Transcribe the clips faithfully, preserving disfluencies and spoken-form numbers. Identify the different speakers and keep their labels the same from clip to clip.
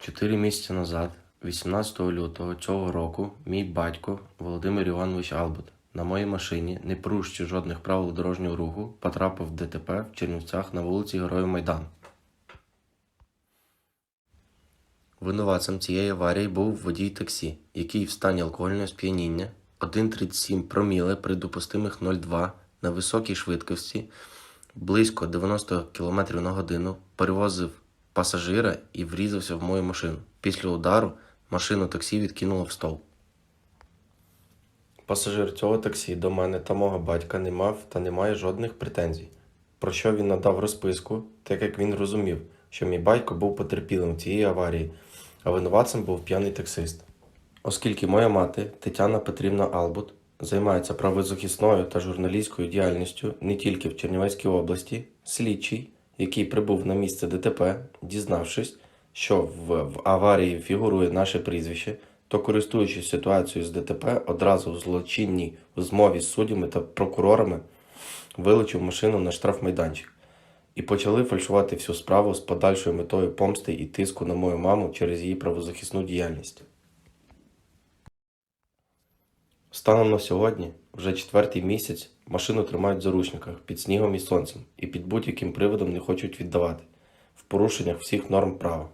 Speaker 1: Чотири місяці назад, вісімнадцятого лютого цього року, мій батько Володимир Іванович Албут на моїй машині, не порушуючи жодних правил дорожнього руху, потрапив в ДТП в Чернівцях на вулиці Героїв Майдану. Винуватцем цієї аварії був водій таксі, який в стані алкогольного сп'яніння один цілих тридцять сім проміле при допустимих нуль цілих два на високій швидкості близько дев'яносто кілометрів на годину перевозив пасажира і врізався в мою машину. Після удару машину таксі відкинуло в стовп. Пасажир цього таксі до мене та мого батька не мав та не має жодних претензій, про що він надав розписку, так як він розумів, що мій батько був потерпілим в цієї аварії, а винуватцем був п'яний таксист. Оскільки моя мати Тетяна Петрівна Албут займається правозахисною та журналістською діяльністю не тільки в Чернівецькій області, слідчий, який прибув на місце ДТП, дізнавшись, що в, в аварії фігурує наше прізвище, то, користуючись ситуацією з ДТП, одразу в злочинній змові з суддями та прокурорами вилучив машину на штрафмайданчик і почали фальшувати всю справу з подальшою метою помсти і тиску на мою маму через її правозахисну діяльність. Станом на сьогодні, вже четвертий місяць, машину тримають в заручниках під снігом і сонцем і під будь-яким приводом не хочуть віддавати, в порушеннях всіх норм права.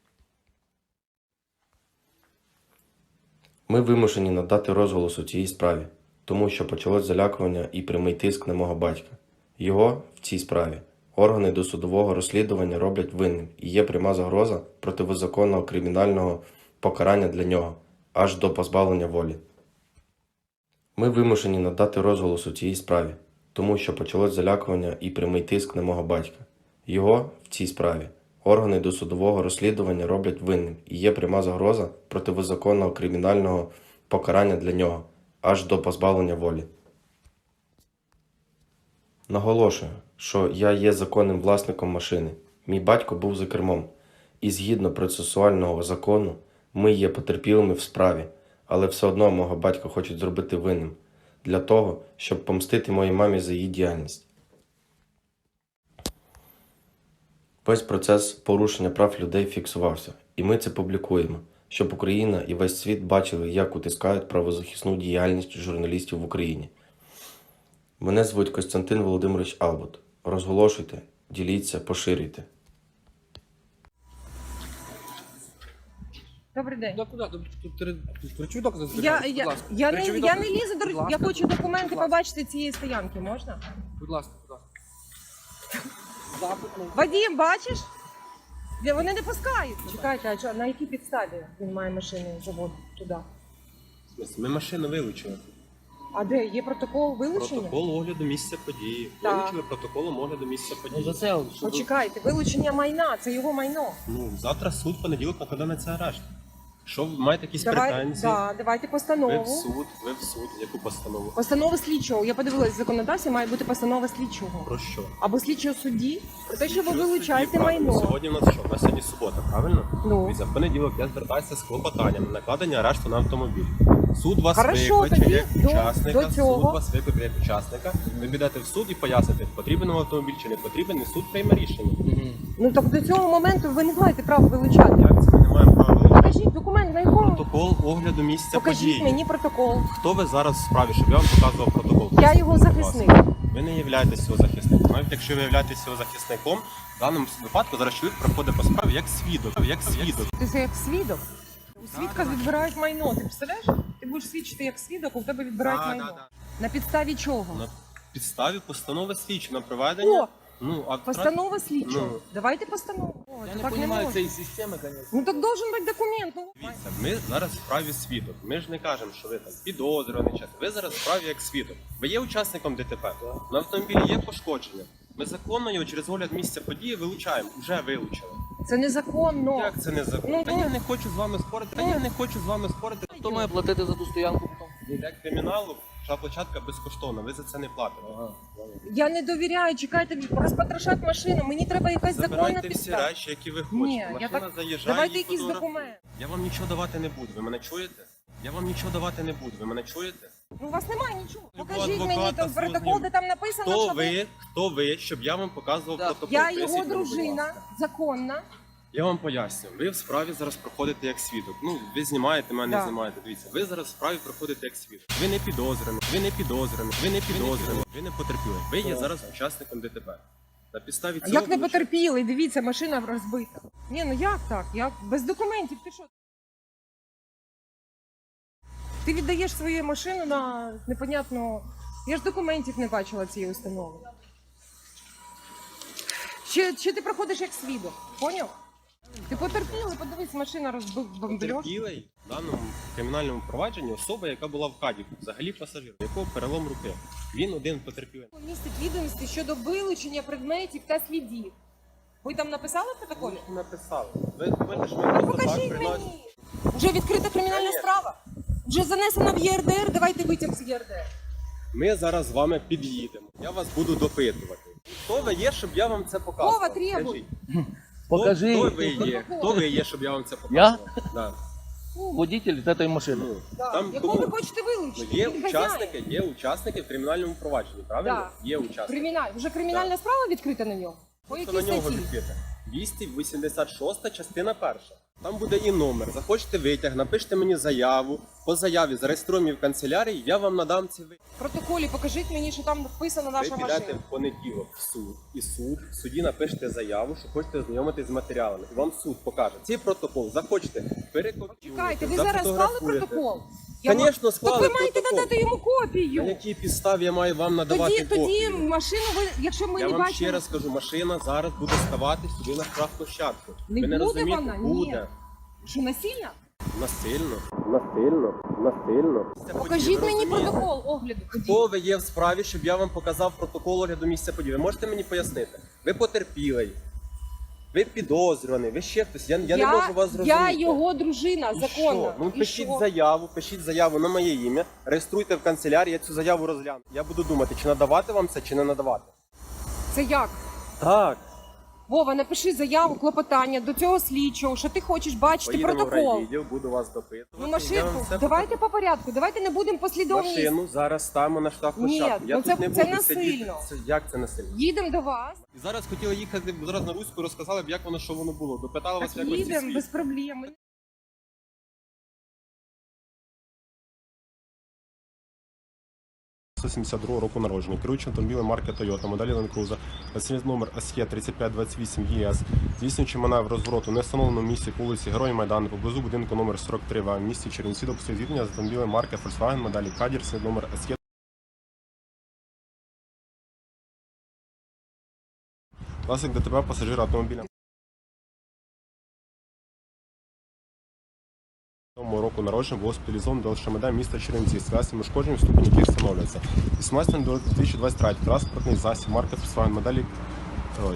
Speaker 1: Ми вимушені надати розголос у цій справі, тому що почалось залякування і прямий тиск на мого батька. Його в цій справі органи досудового розслідування роблять винним і є пряма загроза протизаконного кримінального покарання для нього, аж до позбавлення волі. Ми вимушені надати розголос у цій справі, тому що почалось залякування і прямий тиск на мого батька. Його в цій справі органи досудового розслідування роблять винним і є пряма загроза протизаконного кримінального покарання для нього, аж до позбавлення волі. Наголошую, що я є законним власником машини. Мій батько був за кермом. І згідно процесуального закону, ми є потерпілими в справі, але все одно мого батька хочуть зробити винним, для того, щоб помстити моїй мамі за її діяльність. Весь процес порушення прав людей фіксувався, і ми це публікуємо, щоб Україна і весь світ бачили, як утискають правозахисну діяльність журналістів в Україні. Мене звуть Костянтин Володимирович Албут. Розголошуйте, діліться, поширюйте.
Speaker 2: Добрий день.
Speaker 3: Да, куди? Тут речові докази
Speaker 2: Я,
Speaker 3: зберігаються,
Speaker 2: я,
Speaker 3: будь ласка.
Speaker 2: я, не,
Speaker 3: Речові
Speaker 2: я не
Speaker 3: докази.
Speaker 2: лізу до
Speaker 3: Будь
Speaker 2: я
Speaker 3: ласка.
Speaker 2: хочу документи
Speaker 3: Будь ласка.
Speaker 2: побачити цієї стоянки, можна?
Speaker 3: Будь ласка, будь ласка. Запит, ну.
Speaker 2: Вадим, бачиш? Де Вони не пускають. Чекайте, а що, на якій підставі він має машини заводити туди?
Speaker 4: В смысле? Ми машину вилучили.
Speaker 2: А де? Є протокол вилучення?
Speaker 4: Протокол огляду місця події.
Speaker 2: Так.
Speaker 4: Вилучили протоколом огляду місця
Speaker 3: Ну,
Speaker 4: події.
Speaker 3: за це, що ви-
Speaker 2: Почекайте, вилучення майна, це його майно.
Speaker 4: Ну, завтра суд, понеділок накладе на це арешт. Якщо ви маєте якісь
Speaker 2: Давай,
Speaker 4: претензії,
Speaker 2: да, давайте
Speaker 4: ви в
Speaker 2: постанову.
Speaker 4: суд, ви в суд. Яку постанову?
Speaker 2: Постанова слідчого. Я подивилась, в законодавстві має бути постанова слідчого.
Speaker 4: Про що?
Speaker 2: Або слідчого судді, про те, що ви
Speaker 4: Слідчого
Speaker 2: вилучаєте
Speaker 4: судді, правильно.
Speaker 2: майно.
Speaker 4: Сьогодні у нас що? У нас сьогодні субота, правильно?
Speaker 2: Ну.
Speaker 4: Дивіться, в понеділок я звертаюся з клопотанням на накладення арешту на автомобіль. Суд вас
Speaker 2: Хорошо,
Speaker 4: викличе
Speaker 2: тоді
Speaker 4: як
Speaker 2: до-
Speaker 4: учасника,
Speaker 2: до цього.
Speaker 4: суд вас викличе як учасника. Ви підете в суд і поясните, потрібен вам автомобіль чи не потрібен, і суд прийме рішення.
Speaker 3: Мгм.
Speaker 2: Ну так до цього моменту ви не маєте права вилучати.
Speaker 4: Як це ми не маємо права вилучити?
Speaker 2: Покажіть документ, на якому?
Speaker 4: Протокол огляду місця
Speaker 2: Покажіть
Speaker 4: події.
Speaker 2: мені протокол.
Speaker 4: Хто ви зараз в справі, щоб я вам показував протокол?
Speaker 2: Я його
Speaker 4: Будь ласка.
Speaker 2: захисник.
Speaker 4: Ви не являєтесь його захисником. Навіть якщо ви являєтесь його захисником, в даному випадку зараз чоловік проходить по справі як свідок. Як свідок.
Speaker 2: Ти це як свідок. У свідка відбирають майно. Ти представляєш? Ти будеш свідчити як свідок, у тебе відбирають
Speaker 4: Да,
Speaker 2: майно.
Speaker 4: да, да.
Speaker 2: На підставі чого?
Speaker 4: На підставі постанови слідчого на проведення.
Speaker 2: О,
Speaker 4: Ну, а
Speaker 2: постанова слідчого.
Speaker 4: Ну.
Speaker 2: Давайте постанову. О,
Speaker 3: Я
Speaker 2: це
Speaker 3: не
Speaker 2: так не
Speaker 3: розумію
Speaker 2: можна.
Speaker 3: цієї системи, звісно.
Speaker 2: Ну так должен бути документ. Ну.
Speaker 4: Дивіться, ми зараз в справі свідок. Ми ж не кажемо, що ви там підозрюваний час. Ви зараз в справі як свідок. Ви є учасником ДТП. На автомобілі є пошкодження. Ми законно його через огляд місця події вилучаємо. Уже вилучили.
Speaker 2: Це незаконно.
Speaker 4: Як це не закон?
Speaker 2: Ну,
Speaker 4: Та
Speaker 2: ну.
Speaker 4: я не хочу з вами спорити. Та я не хочу з вами спорити.
Speaker 3: Хто має платити за ту стоянку потім?
Speaker 4: Для криміналу вся площадка безкоштовна. Ви за це не платите.
Speaker 3: Ага.
Speaker 2: Я не довіряю, чекайте, розпотрошать машину. Мені треба якась законна
Speaker 4: Забирайте всі
Speaker 2: підстава.
Speaker 4: речі, які ви хочете.
Speaker 2: Ні, я
Speaker 4: Машина
Speaker 2: так...
Speaker 4: заїжджає,
Speaker 2: Давайте
Speaker 4: її
Speaker 2: якийсь
Speaker 4: фотографує.
Speaker 2: документ.
Speaker 4: Я вам нічого давати не буду. Ви мене чуєте? Я вам нічого давати не буду. Ви мене чуєте?
Speaker 2: Ну, у вас немає нічого.
Speaker 4: Любого
Speaker 2: Покажіть мені
Speaker 4: адвоката
Speaker 2: там протокол,
Speaker 4: зрозумів.
Speaker 2: де там написано,
Speaker 4: Хто
Speaker 2: що ви...
Speaker 4: ви? Хто ви, щоб я вам показував
Speaker 3: Так.
Speaker 4: протокол?
Speaker 2: Я
Speaker 4: Поясніть
Speaker 2: його
Speaker 4: мені, будь
Speaker 2: дружина,
Speaker 4: ласка.
Speaker 2: законна.
Speaker 4: Я вам поясню, ви в справі зараз проходите як свідок. Ну, ви знімаєте, мене
Speaker 2: Да.
Speaker 4: знімаєте. Дивіться, ви зараз в справі проходите як свідок. Ви не підозрюєні, ви не підозрюєні, ви не підозрюєні, ви не потерпіли. Ви є зараз учасником ДТП. На підставі
Speaker 2: А
Speaker 4: цього...
Speaker 2: як не
Speaker 4: вилучаю-
Speaker 2: потерпіли? Дивіться, машина розбита. Ні, ну як так? Як? Без документів ти що? Ти віддаєш свою машину на непонятно. Я ж документів не бачила цієї установи. Чи, чи ти проходиш як свідок? Поняв? Ти потерпіли, подивись, машина розбомбльош.
Speaker 4: Потерпілий в даному кримінальному провадженні особа, яка була в каді, взагалі пасажир, у якого перелом руки. Він один потерпілий.
Speaker 2: Містить відомості щодо вилучення предметів та слідів. Ви там написали в протоколі?
Speaker 4: Ви написали. Ви думаєте, що ми
Speaker 2: Ну,
Speaker 4: просто так
Speaker 2: покажіть
Speaker 4: приносимо?
Speaker 2: мені. Вже відкрита кримінальна
Speaker 4: Конечно.
Speaker 2: справа. Вже занесена в ЄРДР, давайте витяг з ЄРДР.
Speaker 4: Ми зараз з вами під'їдемо. Я вас буду допитувати. Хто ви є, щоб я вам це показував?
Speaker 2: Вова, требуй.
Speaker 4: Скажіть.
Speaker 3: Покажи.
Speaker 4: Хто, хто ви є? Хто ви є, щоб я вам це
Speaker 3: Я?
Speaker 4: показував? Да.
Speaker 3: Водитель этой машины.
Speaker 4: Ну,
Speaker 2: Да.
Speaker 4: там
Speaker 2: Якого
Speaker 4: кому?
Speaker 2: ви хочете
Speaker 4: Ну,
Speaker 2: вилучити?
Speaker 4: є
Speaker 2: Він
Speaker 4: учасники,
Speaker 2: хазяїн.
Speaker 4: є учасники в кримінальному провадженні, правильно?
Speaker 2: Да.
Speaker 4: Є учасники.
Speaker 2: Криміналь. Вже кримінальна справа відкрита на нього? По
Speaker 4: Це
Speaker 2: якій
Speaker 4: на нього
Speaker 2: статті?
Speaker 4: відкрите. двісті вісімдесят шоста частина перша. Там буде і номер. Захочете витяг, напишіть мені заяву. По заяві зареєструємо її в канцелярії, я вам надам ці витяг.
Speaker 2: В протоколі покажіть мені, що там вписана
Speaker 4: Ви
Speaker 2: наша
Speaker 4: підете
Speaker 2: машина.
Speaker 4: в понеділок в суд, і суд, в суді напишете заяву, що хочете ознайомитись з матеріалами. І вам суд покаже. Цей протокол захочете перекопіюєте,
Speaker 2: Чекайте, ви зараз склали
Speaker 4: зафотографуєте.
Speaker 2: протокол? Я
Speaker 4: Звісно,
Speaker 2: ма-
Speaker 4: склали
Speaker 2: Так ви маєте
Speaker 4: протокол.
Speaker 2: надати йому
Speaker 4: На
Speaker 2: копію.
Speaker 4: якій підставі я маю вам надавати
Speaker 2: Тоді, тоді
Speaker 4: копію?
Speaker 2: машину ви, якщо ми
Speaker 4: Я
Speaker 2: не
Speaker 4: вам
Speaker 2: бачимо...
Speaker 4: ще раз кажу, машина зараз буде ставати сюди на штрафплощадку.
Speaker 2: Не
Speaker 4: Ви не
Speaker 2: буде
Speaker 4: розумієте?
Speaker 2: вона? Ні.
Speaker 4: Буде.
Speaker 2: Що, насильно?
Speaker 4: Насильно. Насильно. Насильно.
Speaker 2: Покажіть мені протокол огляду. Тоді.
Speaker 4: Хто ви є в справі, щоб я вам показав протокол огляду місця події? Ви можете мені пояснити? Ви потерпілий, ви підозрюваний, ви ще хтось. Я, я, не можу вас зрозуміти.
Speaker 2: Я його дружина,
Speaker 4: І
Speaker 2: законна.
Speaker 4: що? Ну
Speaker 2: І
Speaker 4: пишіть
Speaker 2: що?
Speaker 4: заяву, пишіть заяву на моє ім'я, реєструйте в канцелярії, я цю заяву розгляну. Я буду думати, чи надавати вам це, чи не надавати.
Speaker 2: Це як?
Speaker 4: Так.
Speaker 2: Вова, напиши заяву, клопотання до цього слідчого, що ти хочеш бачити
Speaker 4: Поїдемо в
Speaker 2: протокол.
Speaker 4: райвідділ, буду вас допитувати.
Speaker 2: Ну,
Speaker 4: Я вам
Speaker 2: машинку,
Speaker 4: все
Speaker 2: давайте по порядку, давайте не будемо послідовність.
Speaker 4: Машину зараз ставимо на штрафплощадку.
Speaker 2: Ні,
Speaker 4: Я
Speaker 2: ну
Speaker 4: тут
Speaker 2: це-
Speaker 4: не
Speaker 2: це
Speaker 4: буду
Speaker 2: насильно.
Speaker 4: сидіти. Це, як це насильно?
Speaker 2: Їдемо до вас,
Speaker 4: І зараз хотіли їхати зараз на Руську, розказали б, як воно, що воно було. Допитали вас,
Speaker 2: так
Speaker 4: як ось ці
Speaker 2: їдемо,
Speaker 4: свідки.
Speaker 2: без проблем.
Speaker 5: сто сімдесят другого року народження, керуючи автомобілем марки Toyota, моделі Land Cruiser, реєстраційний номер ес є тридцять п'ять двадцять вісім є ес, здійснюючи маневр розвороту, не встановленому місці по вулиці Герої Майдану, поблизу будинку номер сорок три В, в місті Чернівці, допустив зіткнення з автомобілем марки Volkswagen, моделі Caddy, номер ес є. Власник ДТП пасажира автомобіля. Року народження було спеціалізовано до ШМД міста Чернівці з класом ушкоджень, ступені яких встановлюється. вісімнадцятого до дві тисячі двадцять третього транспортний засіб марки Volkswagen моделі. Ой.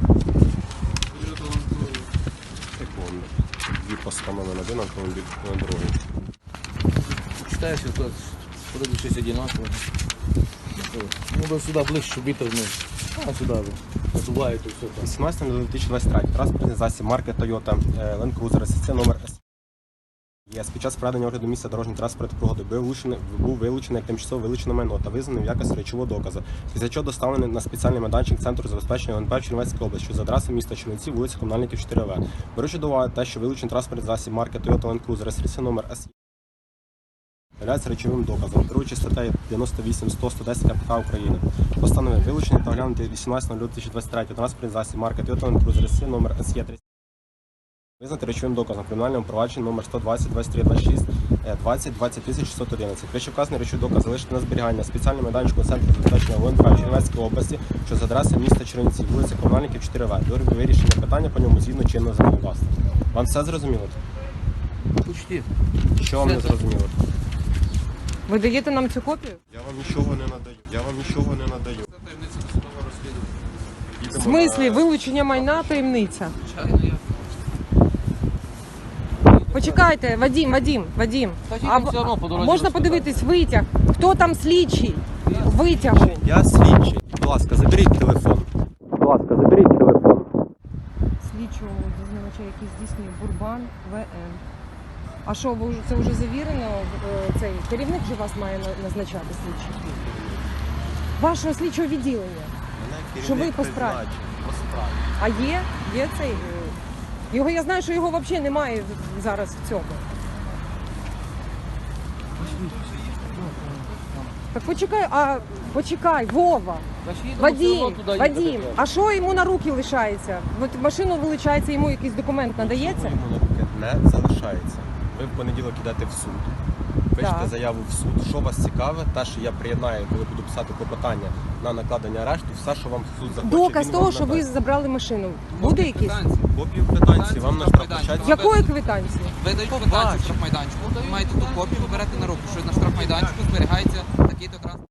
Speaker 5: Секунду. Дві постанови на один автомобіль, на другий.
Speaker 3: Читаешь, вот вроде щось одинаково. Ну, да сюда ближче, щоб вітер не... А, сюда, да. Подуває тут все так.
Speaker 5: вісімнадцятого до дві тисячі двадцять третього транспортний засіб марки Toyota е, Land Cruiser, реєстраційний номер ес. Є під час проведення огляду місця дорожньої транспортної пригоди був вилучений, був вилучений як тимчасово вилучене майно та визнаний в якості речового доказу, після чого доставлений на спеціальний майданчик Центру забезпечення ОНП в Чернівецькій області, що за адресою міста Чернівці, вулиця Комунальників чотири В. Беручи до уваги те, що вилучений транспортний засіб марки Toyota Land Cruiser, реєстраційний номер ес являється речовим доказом, керуючи статтею дев'яносто вісім сто сто десять КПК України. Постановив вилучення та оглянути вісімнадцятого лютого дві тисячі двадцять третього транспортний засіб марки Toyota Land Cruiser, реєстраційний номер ес є тридцять. Визнати речовим доказом кримінальному провадженні номер сто двадцять двадцять три двадцять шість двадцять двадцять тисяч шістсот одинадцять. Вище вказаний речовий доказ залишити на зберігання спеціальному майданчику Центру забезпечення ОНП в Чернівецькій області, що за адресою міста Чернівці, вулиця Комунальників чотири В. До вирішення питання по ньому згідно чинного законодавства. Вам все зрозуміло?
Speaker 3: Почти.
Speaker 5: Що вам не
Speaker 3: Все.
Speaker 5: зрозуміло?
Speaker 2: Ви даєте нам цю копію?
Speaker 5: Я вам нічого не надаю. Я вам нічого не надаю.
Speaker 2: В
Speaker 5: Їдемо
Speaker 2: смислі,
Speaker 5: на-
Speaker 2: вилучення майна таємниця?
Speaker 3: Звичайно, я.
Speaker 2: Почекайте, Вадим, Вадим, Вадим.
Speaker 3: Та
Speaker 2: А,
Speaker 3: їдемо все одно по дорозі
Speaker 2: можна
Speaker 3: розказати.
Speaker 2: подивитись витяг? Хто там слідчий? Витяг.
Speaker 5: Я слідчий. Будь ласка, заберіть телефон. Будь ласка, заберіть телефон.
Speaker 2: Слідчого дізнавача, який здійснює Бурбан В Н. А що, ви вже це вже завірено? Е, Цей керівник же вас має на- назначати слідчий? Вашого слідчого відділення.
Speaker 5: Мене
Speaker 2: Що ви
Speaker 5: керівник
Speaker 2: по справі?
Speaker 5: призначив. По справі.
Speaker 2: А є? Є цей? е, Його я знаю, що його взагалі немає зараз в цьому. Так почекай, а почекай, Вова. Вадим, Вадим, а що йому на руки лишається? От машину вилучається, йому якийсь документ надається?
Speaker 5: Йому на руки не залишається. Ви в понеділок йдете в суд, пишете
Speaker 2: Так.
Speaker 5: заяву в суд. Що вас цікаве, те, що я приєднаю, коли буду писати клопотання на накладення арешту, все, що вам суд захоче,
Speaker 2: Доказ
Speaker 5: він
Speaker 2: того,
Speaker 5: вам
Speaker 2: що ви
Speaker 5: надасть.
Speaker 2: забрали машину. Буде якийсь?
Speaker 5: Копію квитанції вам на штрафплощадці.
Speaker 2: Якої квитанції?
Speaker 6: Видають
Speaker 5: Побачимо.
Speaker 6: квитанцію штрафмайданчику. Ви маєте ту копію, ви берете на руку, що на штрафмайданчику зберігається такий-то транспорт.